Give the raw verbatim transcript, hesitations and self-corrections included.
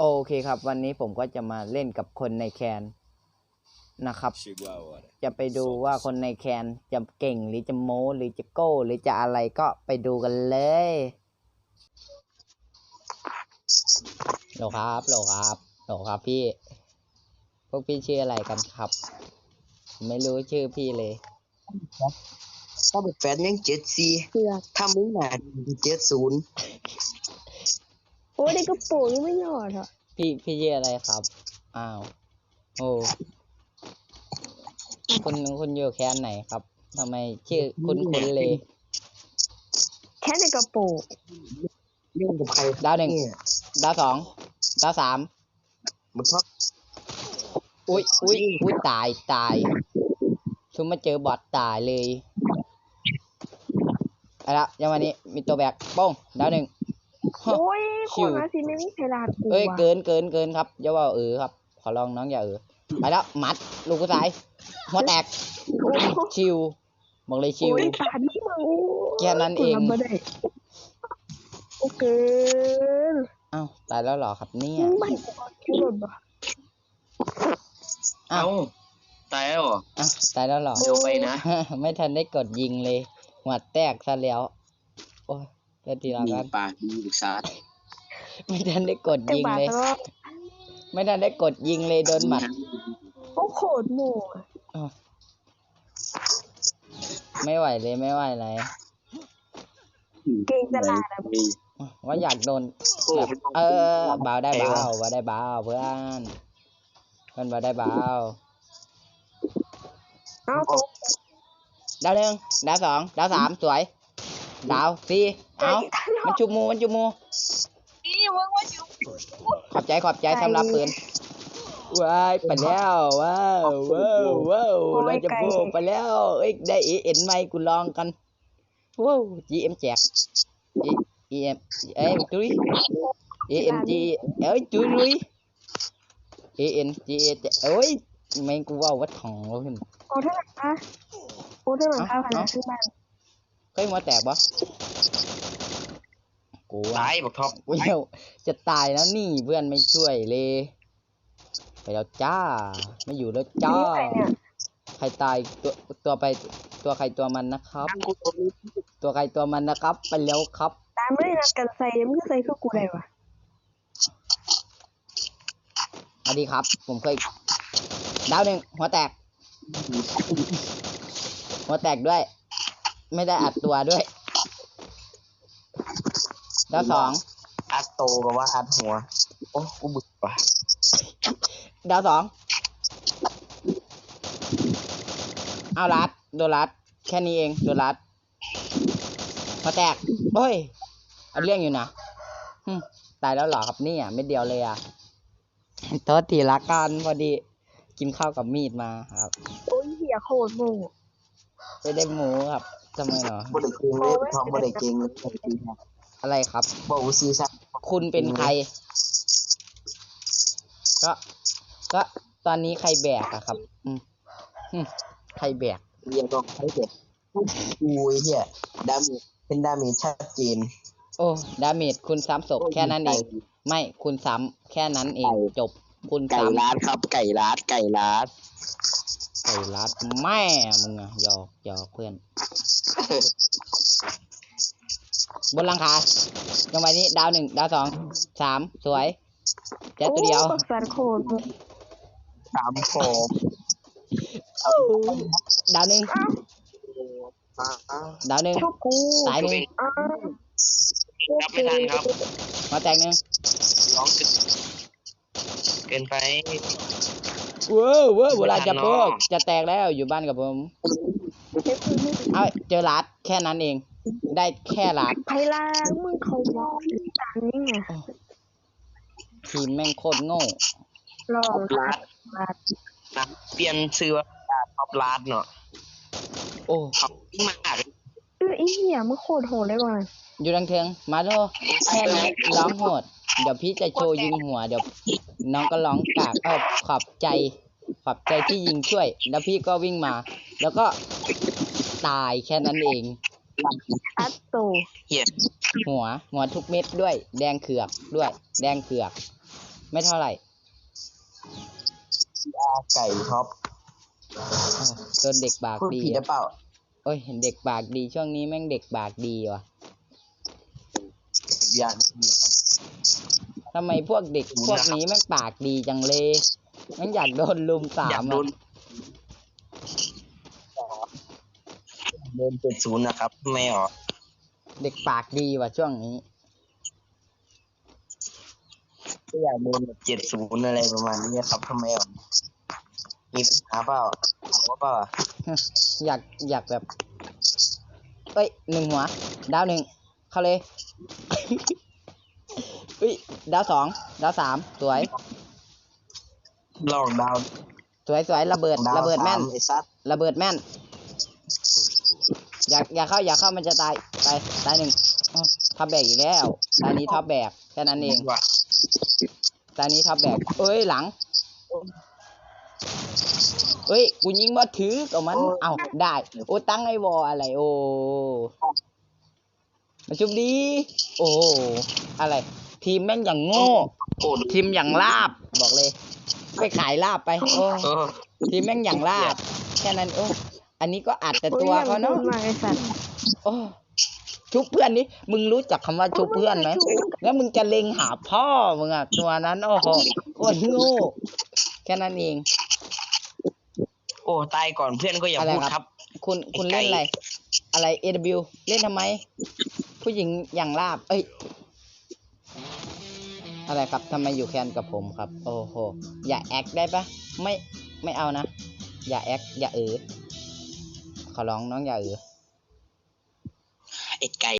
โอเคครับวันนี้ผมก็จะมาเล่นกับคนในแคนนะครับจะไปดูว่าคนในแคนจะเก่งหรือจะโม้หรือจะโก้หรือจะอะไรก็ไปดูกันเลยโหลครับโหลครับโหลครับพี่พวกพี่ชื่ออะไรกันครับไม่รู้ชื่อพี่เลยถ้าเป็นแฟนยังเจ็ดสี่ถ้ามึงหนาเจ็ดศูนย์โอ้ยได้กระโปรงยังไม่หยอดอ่ะพี่พี่ชื่ออะไรครับอ้าวโอ้คุณคุณอยู่แคนไหนครับทำไมชื่อคุ้นคุ้นเลยแค่ในกระโปรงเรื่องกับใครดาวหนึ่งดาวสองดาวสามมันชอบอุ้ยอุ้ยอุ้ยตายตายชุมมาเจอบอทตายเลยเอาละยังวันนี้มีตัวแบกป้องดาวหนึ่งโอ้ยคนมาสิไม่มีใครลาดกูเอ้ยเกินเกินเกินครับอย่าว่าเออครับขอลองน้องอย่าเออไปแล้วมัดลูกกระสายหัวแตกชิวบอกเลยชิวแค่นั้นเองโอเคอ้าวตายแล้วหรอครับเนี่ยอ้าวตายแล้วเหรออ้าวตายแล้วหรอเดี๋ยวไปนะไม่ทันได้กดยิงเลยหัวแตกซะแล้วโอ้ยเดี๋ยวทีละกันปากดีบุกซาดไม่ทันได้กดยิงเลยไม่ทันได้กดยิงเลยโดนหมัดโอ้โคตรโม่ไม่ไหวเลยไม่ไหวเลยเก่งตลาดอะว่าอยากโดนแบบเออเบาได้เบาว่าได้เบาเพื่อนเพื่อนว่าได้เบาดาวหนึ่งดาวสองดาวสามสวยดาวสี่เอามันจุมูมันจุมูขอบใจขอบใจสำหรับปืนว้ายไปแล้วว้าวว้าวว้าวเราจะโบไปแล้วเอ้ยได้เอ็นไหมกูลองกันว้าว จี เอ็ม แจก เอ็ม เอ้ยจุ้ย เอ็ม จี เอ้ยจุ้ยลุย เอ็น จี เอ้ยแม่งกูว่าวัดของเราขึ้นโอ้เท่าไหร่คะโอ้เท่าไหร่คะพันซื้อบ้านเคยมาแตกปะกูตายบอกท็อปกูจะตายแล้วนี่เพื่อนไม่ช่วยเลยไปแล้วจ้าไม่อยู่แล้วจ้าใครตายตัวตัวไปตัวใครตัวมันนะครับตัวใครตัวมันนะครับไปแล้วครับตามไม่ได้นัดกันใส่มันก็ใส่คือกูได้วะสวัสดีครับผมเคยดาวหนึ่งหัวแตกหัวแตกด้วยไม่ได้อัดตัวด้วยดาวสองอัดโตกับว่าอัดหัวโอ้กูบึกว่ะดาวสองเอาลัดโดนลัดแค่นี้เองโดนลัดหัวแตกโอ้ยเอาเรื่องอยู่นะตายแล้วหรอครับนี่อ่ะไม่เดียวเลยอ่ะโทษทีละกันพอดีกินข้าวกับมีดมาครับโอ้ยเหี้ยโคตรโง่ไม่ได้หมูครับทำไมเนาะบริเกงเลยทอมบริเกงเลยอะไรครับบอกซื้อซะคุณเป็นใครก็ก็ตอนนี้ใครแบกอะครับอืมใครแบกเรียกต้องใครแบกกูเหี้ยดาเมจเป็นดาเมจชัดเจนโอ้ดาเมจคุณซ้ำศพแค่นั้นเองไม่คุณซ้ำแค่นั้นเองจบคุณไก่ลาดครับไก่ลาดไก่ลาดไก่ลาดแม่มึงอะหยอกหยอกเพื่อนบนหลังคาจังหวะนี้ดาวหนึ่งดาวสองสามสวยแค่ตัวเดียวสามโฟมดาวหนึ่งดาวหนึ่งสายหนึ่งรับไม่ทันครับมาแตกหนึ่งร้องเกินไปเว้อเว้อเวลาจะพวกจะแตกแล้วอยู่บ้านกับผมเอาเจอลัดแค่นั้นเองได้แค่ลัดไพลามึงเขาบอกต่างนี่ไงทีมแม่งโคตรโง่ลองลัดลัดนะเปลี่ยนชื่อว่าท็อปลัดเนาะโอ้มากเออไอ้เหี้ยมึงโคตรโหดเลยว่ะอยู่ดังเทียงมาโลแค่นี้ร้องโหดเดี๋ยวพี่จะโชว์ยิงหัวเดี๋ยวน้องก็ร้องกากเออขอบใจขอบใจที่ยิงช่วยแล้วพี่ก็วิ่งมาแล้วก็ตายแค่นั้นเองอัตโตหัวหัวทุกเม็ดด้วยแดงเขือกด้วยแดงเขือกไม่เท่าไหร่ไก่ท็อปโดนเด็กบากพูดดีผิดหรือเปล่าโอ้ยเด็กบากดีช่วงนี้แม่งเด็กบากดีว่ะอย่างทำไมพวกเด็กพวกนี้แม่งปากดีจังเลยแม่งอยากโดนลุมสาอยากมโดอ่ะนโดนเจ็ดศูนย์นะครับไม่หรอเด็กปากดีว่ะช่วงนี้ก็อยากโดนแบบเจ็ดศูนย์อะไรประมาณนี้ครับทำไมหรอมีปัญหาเปล่าว่าเปล่าอยากอยากแบบเอ้ยหนึ่งหัว ดาวหนึ่งเข้าเลย เฮ้ยดาวสองดาวสามสวยลองดาวสวยสวยระเบิดดาวระเบิดแม่นสาไอ้ซัดระเบิดแม่น อยากอยากเข้าอยากเข้ามันจะตายไปตายหนึ่งอ้าวท็อปแบกอีกแล้วตอนนี้ท็อปแบกแค่นั้นเองว่ะตอนนี้ท็อปแบกเอ้ยหลังเอ้ยกูยิงบ่ถือกับมันเอ้าได้โอ้ตั้งไอ้วออะไรโอ้มาชุบดีโอ้อะไร ทีมแม่งอย่างโง่โอ้ทีมอย่างลาบบอกเลยไปขายลาบไปโอ้เออทีมแม่งอย่างลาบแค่นั้นโอ้อันนี้ก็อัดแต่ตัวเขาเนาะมาไอ้สัตว์โอ้ชุบเพื่อนนี่มึงรู้จักคำว่าชุบเพื่อนไหมแล้วมึงจะเล็งหาพ่อมึงอะตัวนั้นโอ้โหโคตรโง่แค่นั้นเองโอ้ตายก่อนเพื่อนก็อย่าอะไรพูดคครัรับ บคุณคุณไอ้ไก่เล่นอะไร อะไร เอ ดับเบิลยู เล่นทำไม ผู้หญิงอย่างลาบ เอ้ย อะไรครับทำไมอยู่แคนกับผมครับ โอ้โห อย่าแอคได้ปะไม่ไม่เอานะ อย่าแอคอย่าเออขอร้องน้องอย่าเออไอ้ไก่